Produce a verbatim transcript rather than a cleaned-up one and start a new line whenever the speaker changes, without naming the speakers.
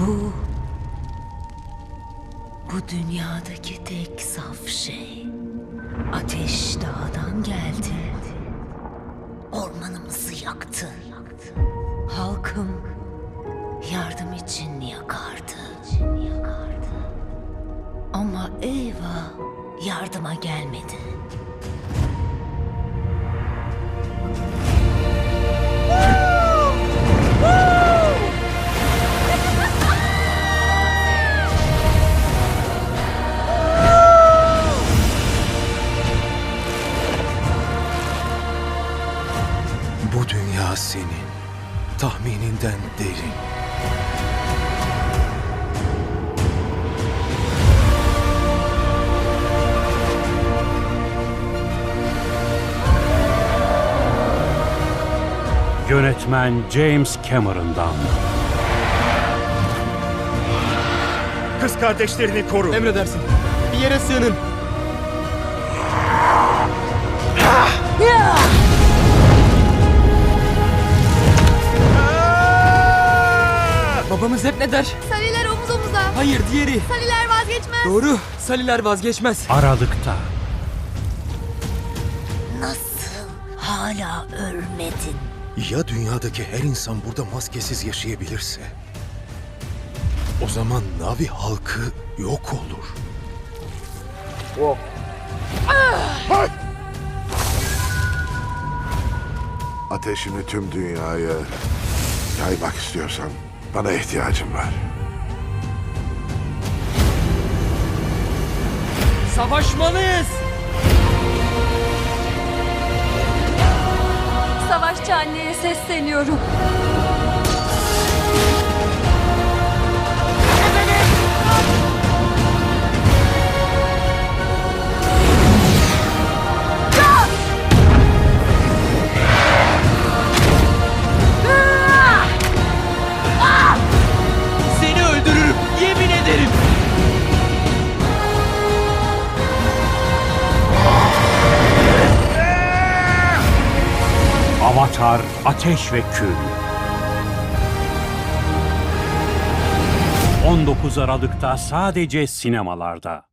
Bu... Bu dünyadaki tek saf şey. Ateş dağdan geldi. Ormanımızı yaktı. Halkım yardım için yakardı. Ama eyvah, yardıma gelmedi.
Bu dünya senin, tahmininden derin.
Yönetmen James Cameron'dan.
Kız kardeşlerini koru.
Emredersin. Bir yere sığının. Babamız hep ne der?
Saliler omuz omuza.
Hayır, diğeri.
Saliler vazgeçmez.
Doğru. Saliler vazgeçmez.
Aralıkta.
Nasıl hala ölmedin?
Ya dünyadaki her insan burada maskesiz yaşayabilirse? O zaman Navi halkı yok olur.
Ateşini tüm dünyaya yaymak istiyorsan bana ihtiyacım var.
Savaşmalıyız.
Savaşçı anneye sesleniyorum.
Seni öldürürüm. Yemin ederim.
Avatar Ateş ve Kül. on dokuz Aralık'ta sadece sinemalarda.